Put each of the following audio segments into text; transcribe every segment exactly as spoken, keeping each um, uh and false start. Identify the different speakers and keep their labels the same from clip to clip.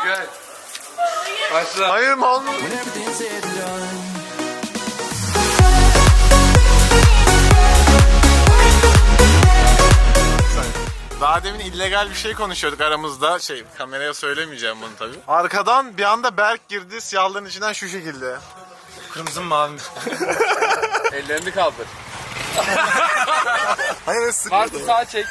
Speaker 1: Gel. Başla.
Speaker 2: Hayır mı olmuş? Daha demin illegal bir şey konuşuyorduk aramızda. Şey, kameraya söylemeyeceğim bunu tabii. Arkadan bir anda Berk girdi siyahlığın içinden şu şekilde.
Speaker 1: Kırmızı mı mavi mi? Ellerini kaldır.
Speaker 2: Hayır, sıkıntı.
Speaker 1: Artı sağa çek.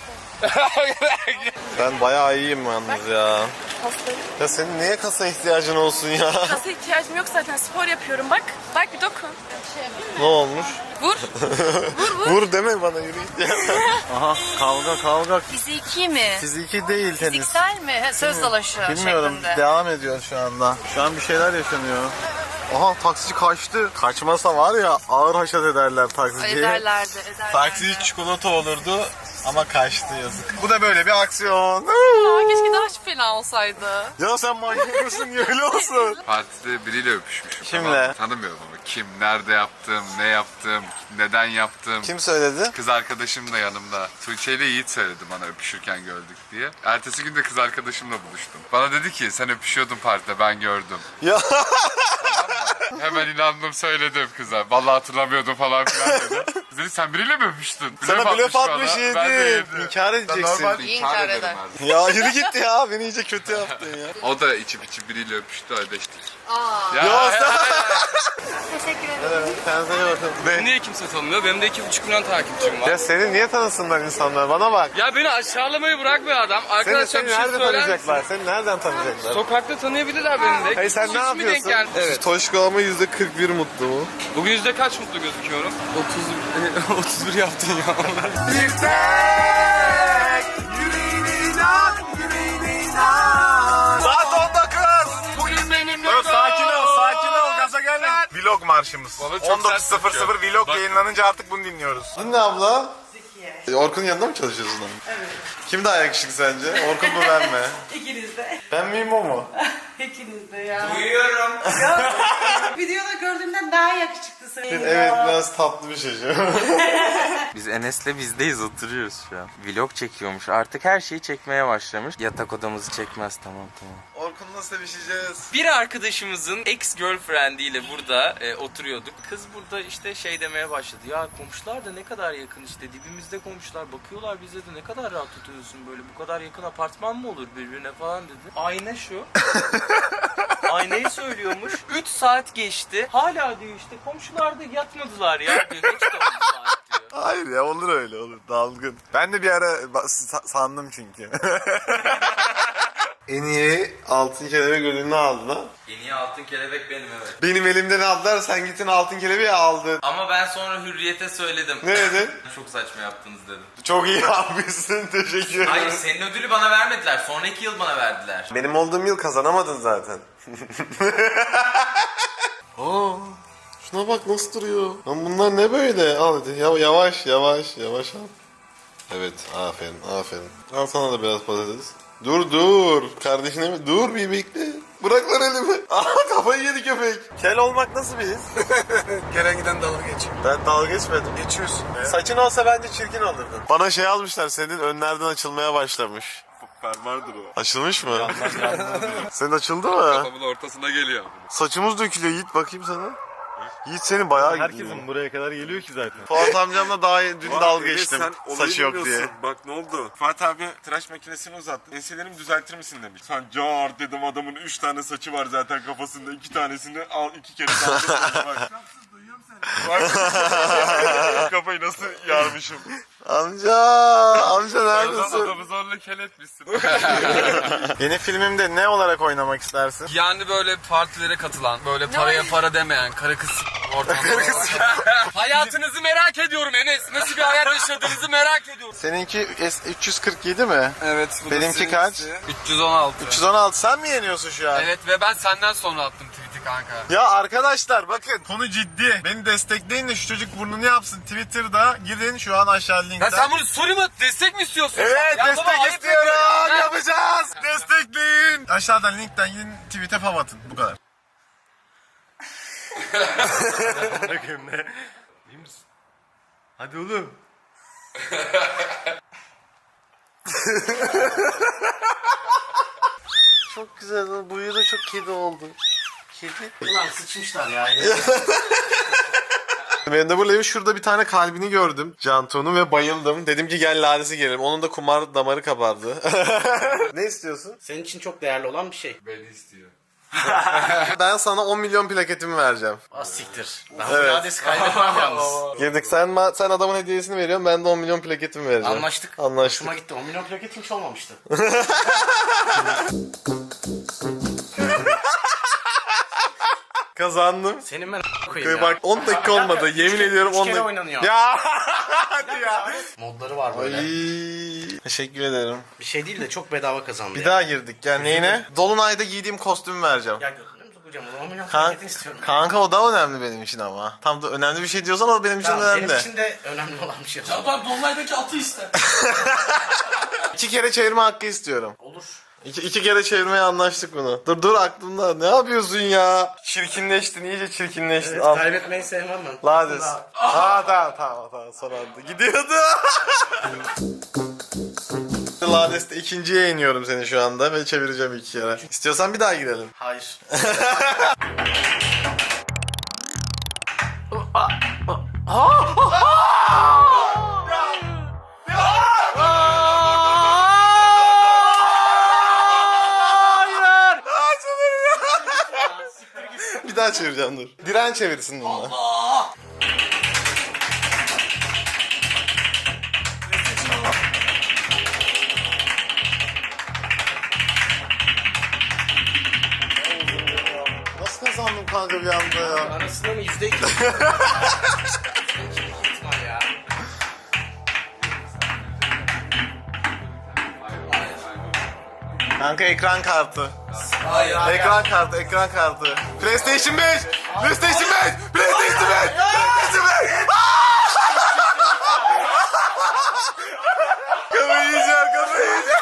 Speaker 2: Ben bayağı iyiyim yalnız ya.
Speaker 3: Hastayım.
Speaker 2: Ya senin niye kasa ihtiyacın olsun ya?
Speaker 3: Kasa ihtiyacım yok zaten, spor yapıyorum bak. Bak bir dokun.
Speaker 2: Ne olmuş?
Speaker 3: Vur. Vur vur.
Speaker 2: Vur deme bana, yürü git ya. Aha, kavga kavga.
Speaker 3: Fiziki mi?
Speaker 2: Fiziki değil tenis.
Speaker 3: Fiziksel mi? Ha, söz dalaşı
Speaker 2: Bilmiyorum,
Speaker 3: şeklinde.
Speaker 2: devam ediyor şu anda. Şu an bir şeyler yaşanıyor. Aha, taksici kaçtı. Kaçmasa var ya, ağır haşat ederler taksiciye.
Speaker 3: Ederlerdi, ederlerdi.
Speaker 2: Taksici çikolata olurdu ama kaçtı, yazık. Bu da böyle bir aksiyon.
Speaker 3: Aa, keşke daha fena olsaydı.
Speaker 2: Ya sen manyak mısın, öyle olsun.
Speaker 1: Partide biriyle öpüşmüşüm.
Speaker 2: Kimle?
Speaker 1: Tamam, tanımıyorum ama kim, nerede yaptım, ne yaptım, neden yaptım.
Speaker 2: Kim söyledi?
Speaker 1: Kız arkadaşım da yanımda. Tuğçe ile Yiğit söyledi bana öpüşürken gördük diye. Ertesi gün de kız arkadaşımla buluştum. Bana dedi ki sen öpüşüyordun partide, ben gördüm.
Speaker 2: Ya
Speaker 1: Hemen inandım, söyledim kıza. Vallahi hatırlamıyordum falan filan dedi. Kız dedi sen biriyle mi öpüştün?
Speaker 2: sana blöf
Speaker 1: bana.
Speaker 2: atmış
Speaker 1: Ben de
Speaker 2: yedi.
Speaker 1: yedim.
Speaker 2: İnkar edeceksin.
Speaker 1: Normal
Speaker 3: İyi
Speaker 1: inkar
Speaker 3: inkar
Speaker 1: ederim
Speaker 3: eder.
Speaker 1: her zaman.
Speaker 2: Ya yürü git ya, beni iyice kötü yaptın ya.
Speaker 1: O da içip içip biriyle öpüştü, ödeştik.
Speaker 3: Aa.
Speaker 1: Ya,
Speaker 2: Ya sen...
Speaker 3: Teşekkür ederim.
Speaker 2: Kendinize iyi bakın.
Speaker 4: Beni niye kimse tanımıyor? Benim de iki buçuk milyon takipçim var.
Speaker 2: Ya seni niye tanısınlar insanlar? Bana bak.
Speaker 4: Ya beni aşağılamayı bırakmıyor adam.
Speaker 2: Seni,
Speaker 4: Arkadaşlar
Speaker 2: seni
Speaker 4: bir şey
Speaker 2: nerede
Speaker 4: söyler misin?
Speaker 2: tanıyacaklar? Seni nereden tanıyacaklar?
Speaker 4: Sokakta tanıyabilirler beni de.
Speaker 2: Hey, sen
Speaker 4: Hiç
Speaker 2: ne
Speaker 4: mi
Speaker 2: yapıyorsun?
Speaker 4: denk geldi? Evet.
Speaker 2: Toşko ama yüzde kırk bir mutlu mu?
Speaker 4: Bugün yüzde kaç mutlu gözüküyorum? otuz, otuz bir yaptın ya.
Speaker 2: Bir tek yüreğine inan, yüreğine inan. Saat on dokuz.
Speaker 4: Bugün benimle
Speaker 2: Dur, sakin ol, sakin ol, gaza gelme. Vlog marşımız.
Speaker 1: Bana çok
Speaker 2: on dokuz
Speaker 1: sert
Speaker 2: sıfır sıfır
Speaker 1: bakıyor.
Speaker 2: vlog
Speaker 1: Bak.
Speaker 2: yayınlanınca artık bunu dinliyoruz. Dinle abla. Zekiye. Orkun'un yanında mı çalışıyorsun abi? Evet. Kim daha yakışıklı sence? Orkun mu, ben mi?
Speaker 5: İkiniz de.
Speaker 2: Ben miyim, o mu?
Speaker 5: İkiniz de ya.
Speaker 4: Duyuyorum.
Speaker 5: Videoda gördüğümden daha yakışıklısın.
Speaker 2: Evet, biraz tatlı bir şey şu.
Speaker 6: Biz Enes'le bizdeyiz, oturuyoruz şu an. Vlog çekiyormuş, artık her şeyi çekmeye başlamış. Yatak odamızı çekmez, tamam tamam.
Speaker 2: Orkun'la sevişeceğiz.
Speaker 6: Bir arkadaşımızın ex girlfriendiyle burada e, oturuyorduk. Kız burada işte şey demeye başladı. Ya komşular da ne kadar yakın, işte dibimizde komşular, bakıyorlar bize de, ne kadar rahat oturuyorsun böyle. Bu kadar yakın apartman mı olur birbirine falan dedi. Ayna şu. Aynayı söylüyormuş. üç saat geçti. Hala diyor işte komşular da yatmadılar ya diyor. Geçti on saat diyor.
Speaker 2: Hayır ya, olur öyle, olur, dalgın. Ben de bir ara ba- sa- sandım çünkü. En iyi altın kelebek ödülünü aldın ha.
Speaker 6: En iyi altın kelebek benim, evet.
Speaker 2: Benim elimden aldılar, sen gittin altın kelebeği aldın.
Speaker 6: Ama ben sonra Hürriyet'e söyledim.
Speaker 2: Ne dedin?
Speaker 6: Çok saçma yaptınız dedim.
Speaker 2: Çok iyi yapmışsın, teşekkür ederim.
Speaker 6: Hayır, senin ödülü bana vermediler. Sonraki yıl bana verdiler.
Speaker 2: Benim olduğum yıl kazanamadın zaten. Aa, şuna bak nasıl duruyor. Lan bunlar ne böyle? Al hadi, Ya- yavaş yavaş yavaş al. Evet, aferin aferin. Al sana da biraz patates. Dur dur, kardeşine mi? Dur bir bekle. Bırak lan elimi. Aha, kafayı yedi köpek. Kel olmak nasıl bir his?
Speaker 7: Gelen giden dalga geçiyor.
Speaker 2: Ben dalga geçmedim.
Speaker 7: Geçiyorsun ya.
Speaker 2: Saçın olsa bence çirkin olurdun. Bana şey almışlar, senin önlerden açılmaya başlamış.
Speaker 1: Fermuardır o.
Speaker 2: Açılmış mı? Senin açıldı mı?
Speaker 1: Kafamın ortasına geliyor.
Speaker 2: Saçımız dökülüyor Yiğit, bakayım sana. Yiğit senin bayağı
Speaker 8: Herkesin buraya kadar geliyor ki zaten.
Speaker 2: Fuat amcamla daha dün dalga geçtim.
Speaker 7: Sen olayı
Speaker 2: Saçı yok diye.
Speaker 7: bilmiyorsun. Bak ne oldu? Fatih abi tıraş makinesini uzattı. Enselerimi düzeltir misin demiş. Sen car dedim, adamın üç tane saçı var zaten kafasında. İki tanesini al, iki kere kaldır. Bak. Duyuyorum seni. Bak. Kafayı nasıl yarmışım.
Speaker 2: Amca, amca neredesin?
Speaker 1: Adamı zorla kel etmişsin.
Speaker 2: Yeni filmimde ne olarak oynamak istersin?
Speaker 4: Yani böyle partilere katılan, böyle paraya para demeyen, karı kız ortamda. Hayatınızı merak ediyorum Enes. Nasıl bir hayat yaşadığınızı merak ediyorum.
Speaker 2: Seninki S üç yüz kırk yedi mi?
Speaker 4: Evet. bu da
Speaker 2: Benimki
Speaker 4: senin
Speaker 2: kaç?
Speaker 4: işte. üç yüz on altı.
Speaker 2: üç yüz on altı, sen mi yeniyorsun şu an?
Speaker 4: Evet ve ben senden sonra attım tweet'i kanka.
Speaker 2: Ya arkadaşlar bakın, konu ciddi. Beni destekleyin de şu çocuk burnunu yapsın. Twitter'da gidin şu an aşağı linkten.
Speaker 4: Ya sen bunu soru mu? Destek mi istiyorsun?
Speaker 2: Evet,
Speaker 4: Ya baba,
Speaker 2: destek
Speaker 4: ayıp
Speaker 2: istiyorum.
Speaker 4: ediyorum. Ya.
Speaker 2: Yapacağız. Destekleyin. Aşağıdan linkten gidin, tweet'e fav atın. Bu kadar.
Speaker 8: Bakayım ne? İyi misin? Hadi oğlum.
Speaker 2: çok güzel. Buyu da çok kedi oldu. Kedi.
Speaker 9: Ulan sıçmışlar ya.
Speaker 2: Mendebur şurada bir tane kalbini gördüm. Cantu'nun ve bayıldım. Dedim ki gel Lades'e gelelim. Onun da kumar damarı kabardı. Ne istiyorsun?
Speaker 9: Senin için çok değerli olan bir şey.
Speaker 1: Beni istiyor.
Speaker 2: Ben sana on milyon plaketimi vereceğim.
Speaker 9: Az siktir. Ben
Speaker 2: Evet.
Speaker 9: bu adresi kaybetmem yalnız.
Speaker 2: Girdik. Sen ma- sen adamın hediyesini veriyorsun. Ben de on milyon plaketimi vereceğim.
Speaker 9: Anlaştık.
Speaker 2: Anlaştık.
Speaker 9: Hoşuma gitti. on milyon plaketim hiç olmamıştı.
Speaker 2: Kazandım.
Speaker 9: Senin ben koyayım ya.
Speaker 2: Bak on dakika olmadı. Yemin
Speaker 9: Üç kere-
Speaker 2: ediyorum
Speaker 9: üç
Speaker 2: on
Speaker 9: kere
Speaker 2: dakika.
Speaker 9: oynanıyor.
Speaker 2: Ya hadi ya.
Speaker 9: Modları var böyle.
Speaker 2: Ay, teşekkür ederim.
Speaker 9: Bir şey değil de çok bedava kazandı.
Speaker 2: Bir
Speaker 9: ya.
Speaker 2: daha girdik. Yani neyine? Dolunay'da giydiğim kostümü vereceğim.
Speaker 9: Ya gözüne mi sokacağım o zaman? on milyon
Speaker 2: Kan-
Speaker 9: plaketini istiyorum.
Speaker 2: kanka o da önemli benim için ama. Tam da önemli bir şey diyorsan o benim için
Speaker 9: Tamam,
Speaker 2: önemli.
Speaker 9: benim için de önemli olan bir şey.
Speaker 4: Ya ben Dolunay'daki atı iste.
Speaker 2: İki kere çevirme hakkı istiyorum.
Speaker 9: Olur.
Speaker 2: İki, iki kere çevirmeye anlaştık bunu. Dur dur aklımda. Ne yapıyorsun ya? Çirkinleştin, iyice çirkinleştin.
Speaker 9: Evet,
Speaker 2: Al.
Speaker 9: kaybetmeyi sevmem ben.
Speaker 2: Lades.
Speaker 9: Daha-
Speaker 2: Aa tamam tamam tamam son anda. Gidiyordu. Lades'te ikinciye iniyorum seni şu anda ve çevireceğim iki kere. İstiyorsan bir daha girelim.
Speaker 9: Hayır.
Speaker 2: Bir daha çevireceğim dur. Diren çevirsin bunu. Nasıl kazandım kanka bir anda ya?
Speaker 9: Anasını mı yüzde iki? İhtimal ya.
Speaker 2: Kanka ekran kartı.
Speaker 4: Hayır.
Speaker 2: Ekran kartı, ekran kartı. PlayStation beş! PlayStation beş! PlayStation beş! PlayStation beş! Kafayı yiyeceğim, kafayı yiyeceğim.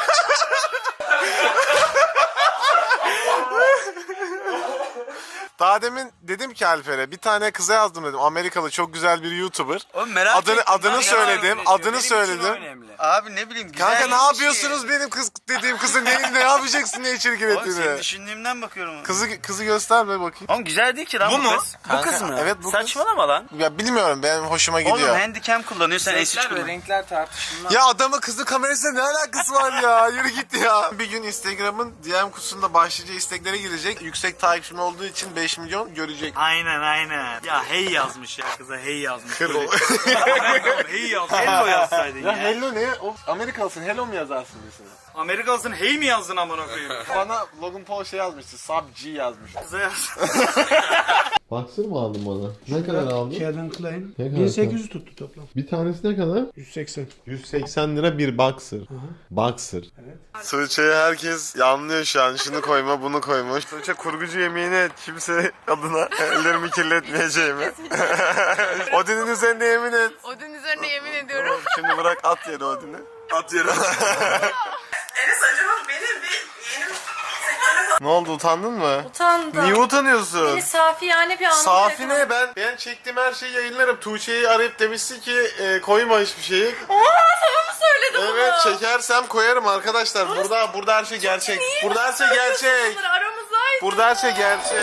Speaker 2: Daha demin dedim ki Alper'e bir tane kıza yazdım dedim. Amerikalı çok güzel bir YouTuber.
Speaker 6: Oğlum merak
Speaker 2: Adını
Speaker 6: ettim.
Speaker 2: adını
Speaker 6: Ben
Speaker 2: söyledim.
Speaker 6: ne
Speaker 2: Adını
Speaker 6: Benim için
Speaker 2: söyledim.
Speaker 6: önemli. Abi ne bileyim. güzel
Speaker 2: Kanka
Speaker 6: bir
Speaker 2: ne
Speaker 6: şey.
Speaker 2: yapıyorsunuz benim kız dediğim kızın ne, ne yapacaksın ne çirkin
Speaker 6: Oğlum senin
Speaker 2: ettiğini.
Speaker 6: düşündüğümden bakıyorum.
Speaker 2: Kızı kızı gösterme bakayım.
Speaker 6: Oğlum güzel değil ki lan bu,
Speaker 4: Bu mu?
Speaker 6: kız. Bu
Speaker 2: Kanka,
Speaker 6: kız mı?
Speaker 2: evet, bu kız.
Speaker 6: Saçmalama lan.
Speaker 2: Ya bilmiyorum benim hoşuma gidiyor.
Speaker 6: Oğlum handicam kullanıyor sen S üç
Speaker 4: Renkler ve
Speaker 6: kullan.
Speaker 4: renkler tartışılmaz.
Speaker 2: Ya adamın kızın kamerasıyla ne alakası var ya? Yürü git ya. Bir gün Instagram'ın D M kutusunda başlıca isteklere girecek. Yüksek takipçim olduğu için beş milyon görecek.
Speaker 10: Aynen aynen. Ya hey yazmış ya kıza hey yazmış.
Speaker 2: Kır o.
Speaker 10: Hey yaz. Hello yazsaydın ya.
Speaker 2: Ya hello ne? O Amerikalısın hello mu yazarsın mesela?
Speaker 10: Amerikalısın hey mi yazdın amına koyayım?
Speaker 2: Bana Logan Paul şey yazmıştı. Sub G yazmış.
Speaker 10: Kıza yaz.
Speaker 2: Boxer mı aldın bana? Ne kadar aldın?
Speaker 11: Calvin Klein.
Speaker 2: Ne kadar?
Speaker 11: bin sekiz yüz tuttu toplam.
Speaker 2: Bir tanesi ne kadar?
Speaker 11: yüz seksen.
Speaker 2: yüz seksen lira bir boxer. Boxer. Evet. Tuğçe'yi herkes yanlıyor şu an. Şunu koyma bunu koyma. Tuğçe kurgucu yemeğini et. Kimse adına ellerimi kirletmeyeceğimi. Odin'in üzerinde yemin et.
Speaker 3: Odun üzerine yemin ediyorum.
Speaker 2: Şimdi bırak at yere Odin'i. At yere.
Speaker 5: Enes acaba benim bir yeğenim
Speaker 2: Ne oldu utandın mı?
Speaker 3: Utandım.
Speaker 2: Niye utanıyorsun?
Speaker 3: Beni safiyane bir anlamda
Speaker 2: Safi ne? Ben, ben çektiğim her şeyi yayınlarım. Tuğçe'yi arayıp demişti ki e, koyma hiçbir şeyi.
Speaker 3: Aa, sana mı söyledim bunu?
Speaker 2: Evet çekersem koyarım arkadaşlar. Burada burada her şey gerçek. Burada her şey gerçek.
Speaker 3: Bunları aramızdaydı.
Speaker 2: Burada her şey gerçek.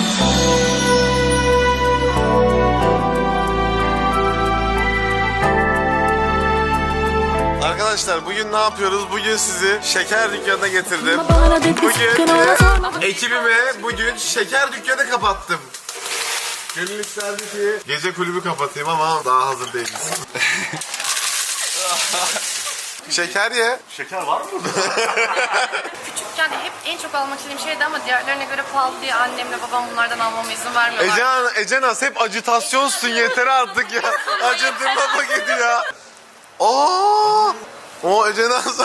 Speaker 2: Arkadaşlar bugün ne yapıyoruz? Bugün sizi şeker dükkanına getirdim. Bugün e, ekibime bugün şeker dükkanı kapattım. Gönül isterdi ki gece kulübü kapatayım ama daha hazır değiliz. Şeker ye.
Speaker 10: Şeker var mı?
Speaker 3: Küçükken hep en çok almak istediğim şeydi ama diğerlerine göre pahalı diye annemle babam bunlardan almama izin vermiyorlar.
Speaker 2: Ecehan, Ecenaz hep acitasyonsun yeter artık ya. Acıtırma paketi ya. Oo! O Ecenaz.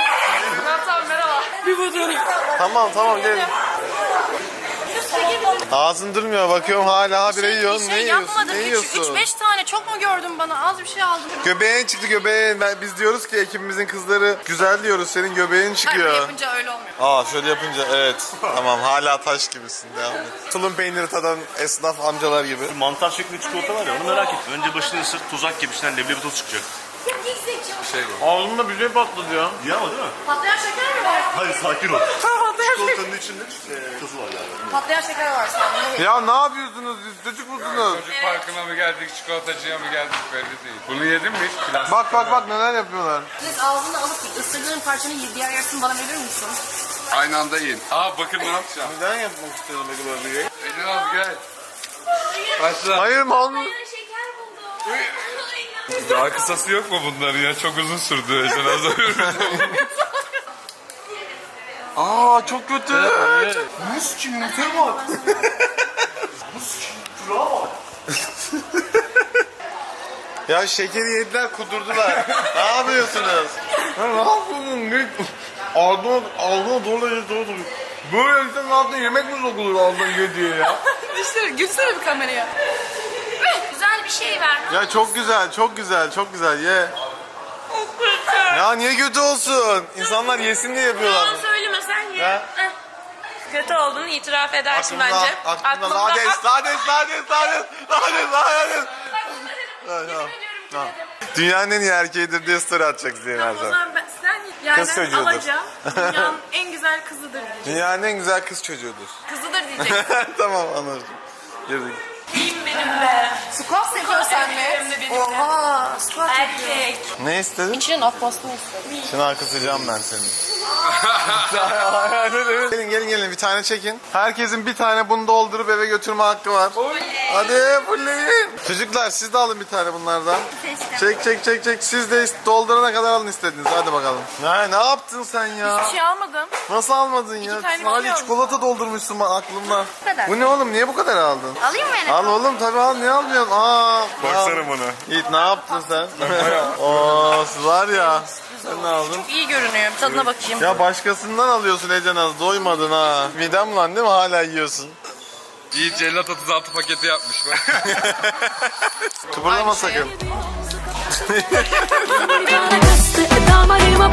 Speaker 3: Tamam tamam merhaba.
Speaker 2: Tamam tamam gelin. Ağzın durmuyor, bakıyorum hala habire
Speaker 3: Şey,
Speaker 2: yiyorsun.
Speaker 3: bir şey
Speaker 2: Ne yiyorsun?
Speaker 3: yapmadım.
Speaker 2: Ne
Speaker 3: üç
Speaker 2: yiyorsun?
Speaker 3: beş tane çok mu gördün bana? Az bir şey aldım.
Speaker 2: Göbeğin çıktı göbeğin. Ben, biz diyoruz ki ekibimizin kızları güzel diyoruz. Senin göbeğin
Speaker 3: Hayır,
Speaker 2: çıkıyor.
Speaker 3: böyle yapınca öyle olmuyor.
Speaker 2: Aa şöyle yapınca evet. Tamam hala taş gibisin. Devam et. Tulum peyniri tadan esnaf amcalar gibi.
Speaker 8: Mantar şeklinde çikolata var ya onu merak ettim. Önce başını ısır tuzak gibi içinden leblebi toz çıkacak.
Speaker 1: Şey bu.
Speaker 2: Ağzımda bir şey patladı ya.
Speaker 8: İyi ama değil mi?
Speaker 3: Patlayan şeker mi var?
Speaker 8: Hayır sakin ol.
Speaker 3: Patlayan şeker.
Speaker 8: Çikolatanın içinde e, tuzu var yani.
Speaker 3: Patlayan şeker var sanırım.
Speaker 2: Ya ne yapıyorsunuz siz? Çocuk musunuz?
Speaker 1: Çocuk parkına mı geldik, çikolatacıya mı geldik belli değil. Bunu yedin mi hiç? Plastik
Speaker 2: Bak bak bak neler yapıyorlar.
Speaker 3: Siz ağzını alıp ısırdığın parçanın diğer yarısını bana verir misin?
Speaker 1: Aynı anda yiyin. Aa bakın ne yapacağım.
Speaker 2: Neden yapmak istedim Ege Bey?
Speaker 1: Ecen abi gel. Başla.
Speaker 2: Hayır mal
Speaker 3: Şeker buldum.
Speaker 1: Daha kısası yok mu bunların ya? Çok uzun sürdü Ecen abi.
Speaker 2: Aa çok kötü.
Speaker 8: Mus çiğnete bak. Mus çiğnete bak.
Speaker 2: Ya şekeri yediler kudurdular. Ne yapıyorsunuz? Ya ne yapıyorsun? Ne? Ağzına, ağzına dolu dolu dolu. Böyle insanın altına yemek mi sokulur ağzına ye diye ya?
Speaker 3: Gülsene, gülsene bir kameraya. Güzel bir şey ver.
Speaker 2: Ya çok güzel, çok güzel, çok güzel ye. Ya niye kötü olsun? İnsanlar yesin diye yapıyorlar.
Speaker 11: Yalan söyleme sen ye.
Speaker 2: Ha?
Speaker 11: Heh. Kötü olduğunu itiraf edersin
Speaker 2: Aklımda,
Speaker 11: bence.
Speaker 2: aklımda lades, lades, lades, lades, lades, lades. Dünyanın en iyi erkeğidir diye story atacak Zeyn her
Speaker 11: O
Speaker 2: zaman.
Speaker 11: zaman ben, sen yerden
Speaker 2: Kız çocuğudur.
Speaker 11: alacağım. Dünyanın en güzel kızıdır diyecek.
Speaker 2: Dünyanın en güzel kız çocuğudur.
Speaker 11: Kızıdır diyecek.
Speaker 2: Tamam anladım. Girdik.
Speaker 11: İyiyim benim be.
Speaker 3: Squat yapıyor sen mi?
Speaker 11: Hem de benim de.
Speaker 3: Oha, squat yapıyor.
Speaker 11: Erkek.
Speaker 2: Ne istedin?
Speaker 3: İçine laf bastım istedim.
Speaker 2: Şimdi arkasıcağım ben seni. gelin gelin gelin bir tane çekin. Herkesin bir tane bunu doldurup eve götürme hakkı var. Hadi fulleyin. Çocuklar siz de alın bir tane bunlardan. Çek çek çek çek. Siz de doldurana kadar alın istediniz. Hadi bakalım. Ne, ne yaptın sen ya?
Speaker 11: Hiçbir şey almadım.
Speaker 2: Nasıl almadın ya?
Speaker 11: tane
Speaker 2: Sadece
Speaker 11: biliyor
Speaker 2: çikolata doldurmuşsun bak aklımda.
Speaker 3: Bu kadar.
Speaker 2: Bu ne oğlum? Niye bu kadar aldın?
Speaker 3: Alayım mı beni?
Speaker 2: Al oğlum tabii al. Niye almıyorsun? Aa.
Speaker 7: Baksana bana.
Speaker 2: Yiğit ne yaptın sen? Oo var ya. Sen ne aldın?
Speaker 3: İyi görünüyor. Bir tadına bakayım.
Speaker 2: Ya başkasından alıyorsun Ece Naz. Doymadın ha. Midem lan değil mi? Hala yiyorsun.
Speaker 1: İyi cellat otuz altı paketi yapmış bak.
Speaker 2: Kıpırdama sakın.
Speaker 12: Damarıma